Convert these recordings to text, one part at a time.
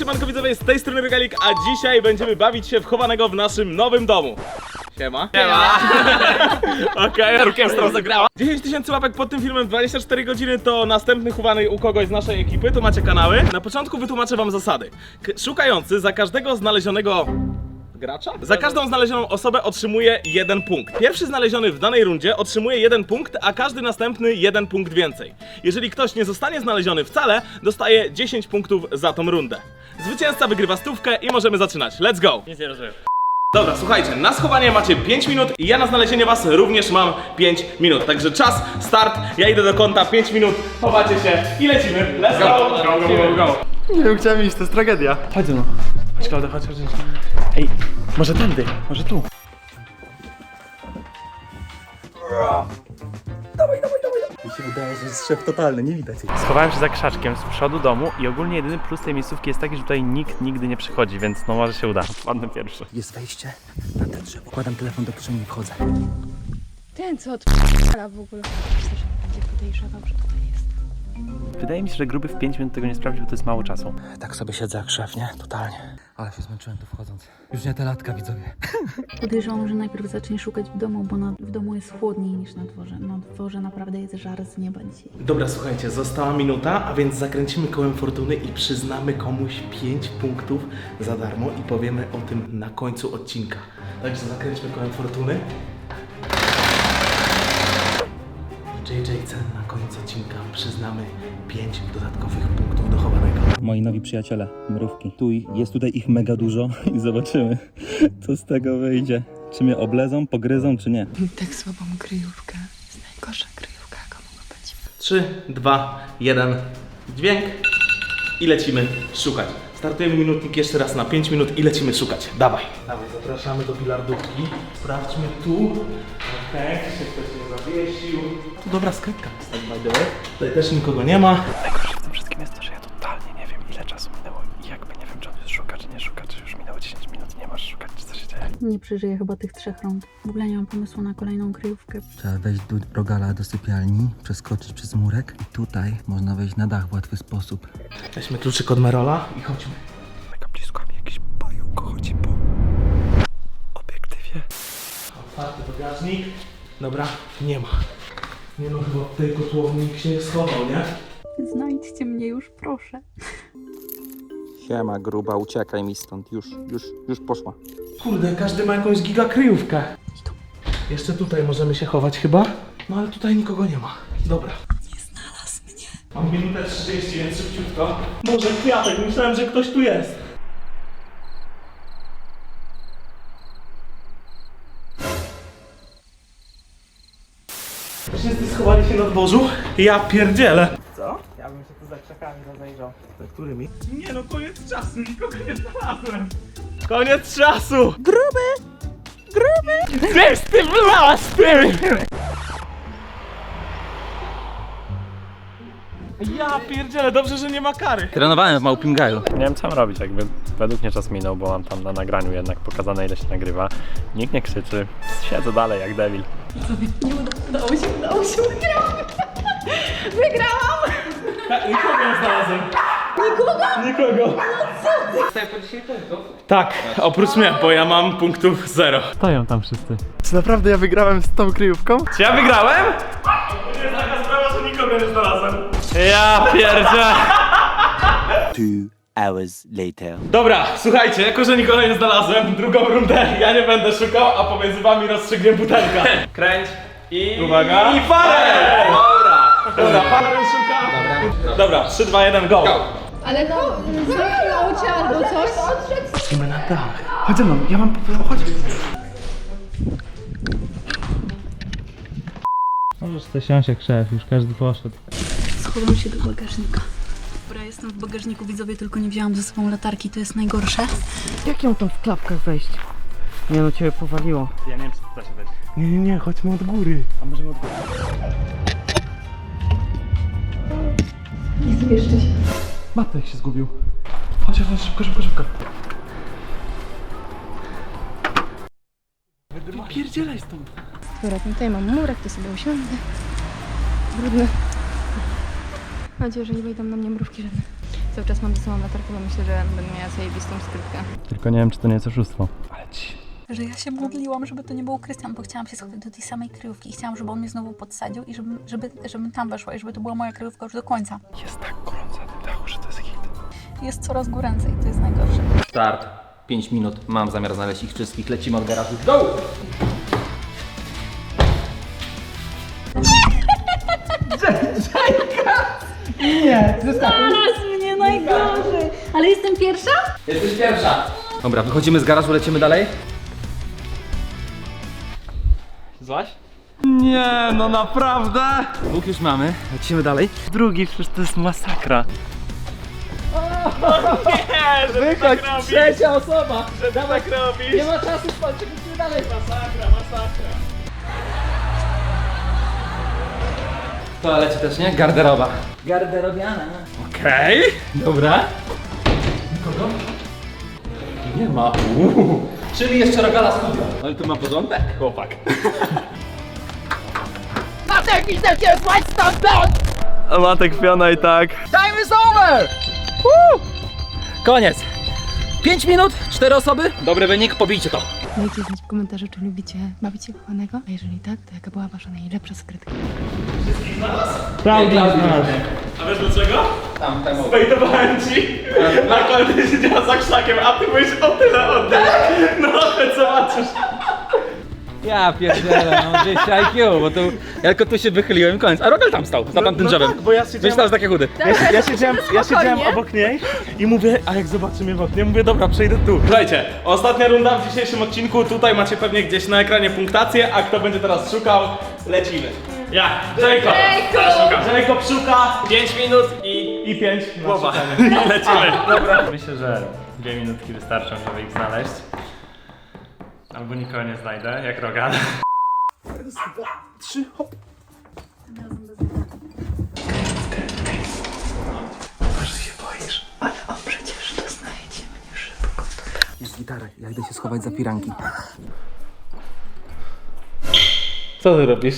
siemanko widzowie, z tej strony Regalik, a dzisiaj będziemy bawić się w chowanego w naszym nowym domu. Siema. Siema. Okej, orkiestra zagrała. 10 000 łapek pod tym filmem, 24 godziny to następny chowany u kogoś z naszej ekipy, tu macie kanały. Na początku wytłumaczę wam zasady. Szukający za każdego znalezionego gracza? Za każdą znalezioną osobę otrzymuje 1 punkt. Pierwszy znaleziony w danej rundzie otrzymuje 1 punkt, a każdy następny 1 punkt więcej. Jeżeli ktoś nie zostanie znaleziony wcale, dostaje 10 punktów za tą rundę. Zwycięzca wygrywa stówkę i możemy zaczynać. Let's go! Nic nie rozumiem. Dobra, słuchajcie, na schowanie macie 5 minut i ja na znalezienie was również mam 5 minut. Także czas, start, ja idę do kąta, 5 minut, chowacie się i lecimy. Let's go! Go. Nie wiem, chciałem iść, to jest tragedia. Chodź no. Chodź, Klaudia, chodź. Ej, może tędy, może tu. Dawaj. Mi się wydaje, że jest szef totalny, nie widać. Schowałem się za krzaczkiem z przodu domu i ogólnie jedyny plus tej miejscówki jest taki, że tutaj nikt nigdy nie przychodzi, więc no może się uda. Wpadnę pierwszy. Jest wejście na te drzewo. Kładam telefon do kieszeni i wchodzę. Ten co odp***a w ogóle. Myślę, że będzie podejrzewał, że tutaj jest. Wydaje mi się, że gruby w 5 minut tego nie sprawdził, to jest mało czasu. Tak sobie siedzę jak szef, nie? Totalnie. Ale się zmęczyłem tu wchodząc. Już nie te latka, widzowie. Podejrzewam, że najpierw zacznie szukać w domu, bo w domu jest chłodniej niż na dworze. Na dworze naprawdę jest żar z nieba dzisiaj. Dobra, słuchajcie, została minuta, a więc zakręcimy kołem fortuny i przyznamy komuś 5 punktów za darmo i powiemy o tym na końcu odcinka. Także zakręćmy kołem fortuny. JJC na koniec odcinka przyznamy 5 dodatkowych punktów do chowanego. Moi nowi przyjaciele, mrówki. Jest tutaj ich mega dużo i zobaczymy, co z tego wyjdzie. Czy mnie oblezą, pogryzą, czy nie. Tak słabą kryjówkę. Jest najgorsza kryjówka, jaka mogła być. 3, 2, 1, dźwięk i lecimy szukać. Startujemy minutnik jeszcze raz na 5 minut i lecimy szukać. Dawaj, zapraszamy do bilardówki. Sprawdźmy tu. Okej, czy się ktoś nie zawiesił. Tu dobra skrytka jest, tak by the way. Tutaj też nikogo nie ma. Najgorsze w tym wszystkim jest to, że ja totalnie nie wiem, ile czasu minęło i jakby nie wiem, czy on już szuka, czy nie szuka, czy już minęło 10 minut, nie masz szukać, czy co się dzieje. Nie przeżyję chyba tych 3 rund. W ogóle nie mam pomysłu na kolejną kryjówkę. Trzeba wejść do rogala do sypialni, przeskoczyć przez murek i tutaj można wejść na dach w łatwy sposób. Weźmy kluczyk od Merola i chodźmy. Mega blisko mi jakiś pająk chodzi po obiektywie. Otwarty bagażnik. Dobra, nie ma. Nie no, chyba w tej kotłowni nikt się nie schował, nie? Znajdźcie mnie już, proszę. Siema, gruba, uciekaj mi stąd. Już poszła. Kurde, każdy ma jakąś gigakryjówkę. Jeszcze tutaj możemy się chować chyba. No ale tutaj nikogo nie ma. Dobra. Nie znalazł mnie. Mam minutę 30, więc szybciutko. Boże, kwiatek, myślałem, że ktoś tu jest. Wszyscy schowali się na dworzu. Ja pierdzielę. Co? Ja bym się tu za krzakami rozejrzał. Za którymi? Nie no, koniec czasu, nikogo nie znalazłem. Koniec czasu! Gruby! Gdzieś ty blasty! Ja pierdzielę, dobrze, że nie ma kary. Trenowałem w Małpim Gaju. Nie wiem, co mam robić, jakby według mnie czas minął, bo mam tam na nagraniu jednak pokazane, ile się nagrywa. Nikt nie krzyczy, siedzę dalej jak debil. Udało się, wygrałam! Nikogo nie znalazłem. Nikogo? Tak, oprócz mnie, bo ja mam punktów 0. Stoją tam wszyscy. Czy naprawdę ja wygrałem z tą kryjówką? Czy ja wygrałem? To jest taka sprawa, że nikogo nie znalazłem. Ja pierdzielę! 2 hours later. Dobra, słuchajcie, jako że nikogo nie znalazłem, drugą rundę ja nie będę szukał, a pomiędzy wami rozstrzygnie butelka. Kręć i... Uwaga. I farel! Dobra, farel szuka. Dobra, 3, 2, 1, go! Ale no, zrobiło cię albo coś. Idziemy na dach. Chodź ze mną, ja mam... Chodź. Możesz to siąść jak szef, już każdy poszedł. Schowam się do bagażnika. Dobra, jestem w bagażniku, widzowie, tylko nie wzięłam ze sobą latarki, to jest najgorsze. Jak ją tam w klapkach wejść? Nie no, ciebie powaliło. Ja nie wiem, czy da się wejść. Nie, chodźmy od góry. A możemy od góry? Nie zmieszczę się. Matek się zgubił. Chodź, szybko. Pierdzielaj stąd. Dobra, tutaj mam murek, to sobie usiądę. Brudny. Mam nadzieję, że nie wejdą na mnie mrówki żadne. Cały czas mam ze sobą latarkę, bo myślę, że będę miała zajebistą skrytkę. Tylko nie wiem, czy to nie jest oszustwo. Ale ci. Że ja się modliłam, żeby to nie był Krystian, bo chciałam się schować do tej samej kryjówki i chciałam, żeby on mnie znowu podsadził i żebym tam weszła i żeby to była moja kryjówka już do końca. Jest tak gorąco na tym dachu, że to jest hit. Jest coraz goręcej, to jest najgorsze. Start. 5 minut. Mam zamiar znaleźć ich wszystkich. Lecimy od garażu. Go! Zaraz mnie najgorzej. Ale jestem pierwsza? Jesteś pierwsza. Dobra, wychodzimy z garażu, lecimy dalej. Złaś? Nie, no naprawdę! Łuk już mamy, lecimy dalej. Drugi, przecież to jest masakra. Nie, że Wychodź, tak robisz, trzecia osoba! że tak robisz. Nie ma czasu spać, lecimy dalej. Masakra, masakra. W toalecie też, nie? Garderoba. Garderobiana. Okej. Dobra. Kogo? Nie ma. Czyli jeszcze Rogala studio. Ale tu ma porządek, chłopak. A Matek Fiona i tak. Time is over! Koniec. 5 minut, 4 osoby. Dobry wynik, pobijcie to. Dajcie znać w komentarzu, czy lubicie bawić się kochanego, a jeżeli tak, to jaka była wasza najlepsza skrytka. Prawda znasz. A wiesz dlaczego? Tam. Wejdowałem ci, na końcu siedziała za krzakiem, a ty byłeś o tyle oddech. No, chodź zobaczysz. Ja pierdzielę, no 200 IQ, bo tu ja tylko tu się wychyliłem, koniec. A Rogal tam stał, za tamtym drzewem. Tak, bo ja siedziałem, Myślałem, że takie chudy. ja siedziałem obok niej i mówię, a jak zobaczy mnie w oknie, mówię, dobra, przejdę tu. Słuchajcie, ostatnia runda w dzisiejszym odcinku, tutaj macie pewnie gdzieś na ekranie punktację, a kto będzie teraz szukał, lecimy. Ja, Jacob! Jacob szuka 5 minut i 5 głowa. Lecimy. Dobra. Myślę, że 2 minutki wystarczą, żeby ich znaleźć. Albo nikogo nie znajdę, jak Rogan. Jest gitara, ja idę się schować za firanki. Co ty robisz?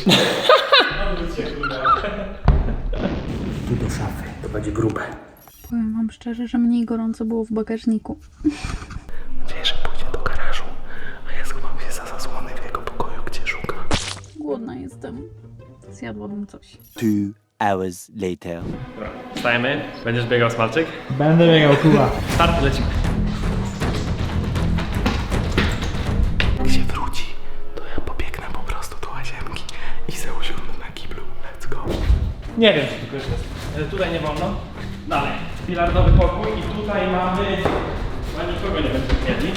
Tu do szafy, to będzie grube. Powiem wam szczerze, że mniej gorąco było w bagażniku. Nadzieję, że pójdzie do garażu, a ja schowam się za zasłony w jego pokoju, gdzie szuka. Głodna jestem. Zjadłabym coś. 2 hours later. Wstajemy. Będziesz biegał Smalczyk? Będę biegał, Kuba. Start, lecimy. Jak się wróci, to ja pobiegnę po prostu do łazienki i se usiądę na kiblu. Let's go. Nie wiem, czy tylko już jest. Tutaj nie wolno. Dalej. Bilardowy pokój i tutaj mamy... Chyba nikogo nie będziemy mieli.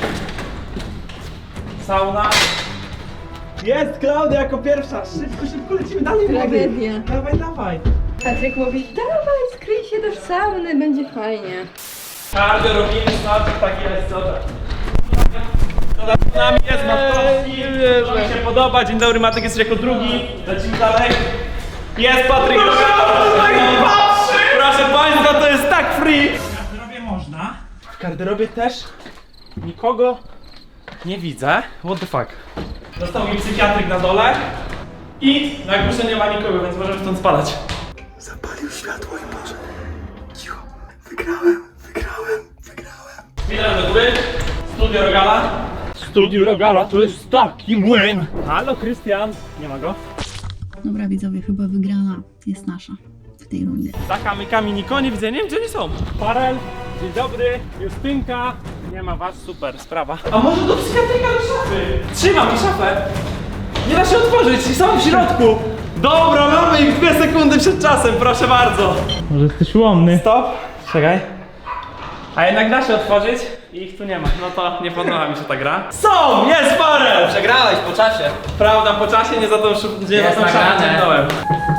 Sauna. Jest Klaudia jako pierwsza, szybko lecimy dalej. Tragedia. Dawaj. Patryk mówi, dawaj, skryj się do sauny, będzie fajnie. Cardio robimy, Smalczyk, tak jest, co tak. Z nami jest Matkowski, to mi się podoba, dzień dobry, Matek jest jako drugi, lecimy dalej. Jest Patryk, proszę Państwa, to jest tak free. W garderobie można. W garderobie też nikogo nie widzę. What the fuck? Został mi psychiatryk na dole i na górze nie ma nikogo, więc możemy stąd spadać. Zapalił światło i może. Cicho. Wygrałem. Witam do góry, studio Rogala. Studio Rogala to jest taki młyn. Halo, Krystian. Nie ma go? Dobra widzowie, chyba wygrana jest nasza w tej rundzie. Za kamykami nikogo nie widzę, nie wiem gdzie oni są. Parel, dzień dobry, Justynka. Nie ma was, super sprawa. A może do psychiatryka do szafy? Trzymam mi szafę. Nie da się otworzyć, są w środku. Dobra, mamy ich 2 sekundy przed czasem, proszę bardzo. Może jesteś łomny. Stop. Czekaj. A jednak da się otworzyć i ich tu nie ma. No to nie podoba mi się ta gra. Są! Jest parę! Przegrałeś po czasie. Prawda, po czasie nie za tą szafę ciągnąłem.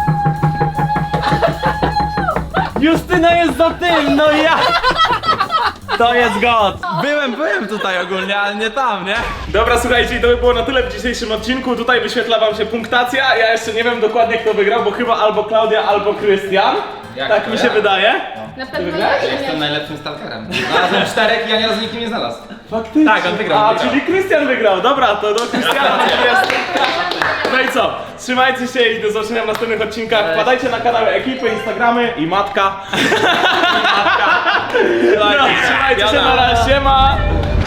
Justyna jest za tym, no ja! To jest god! Byłem tutaj ogólnie, ale nie tam, nie? Dobra, słuchajcie, i to by było na tyle w dzisiejszym odcinku. Tutaj wyświetla wam się punktacja. Ja jeszcze nie wiem dokładnie kto wygrał, bo chyba albo Klaudia, albo Krystian. Jak Tak to mi się ja? wydaje. Na pewno ja Jestem najlepszym stalkerem. Znalazłem 4 i ja nie razu nikt nie znalazł. Faktycznie. Tak, on wygrał. A, czyli Krystian wygrał. Dobra, to do Krystiana jest. No i co? Trzymajcie się i do zobaczenia w następnych odcinkach. Wpadajcie na kanały ekipy, Instagramy i matka. się, na razie, siema!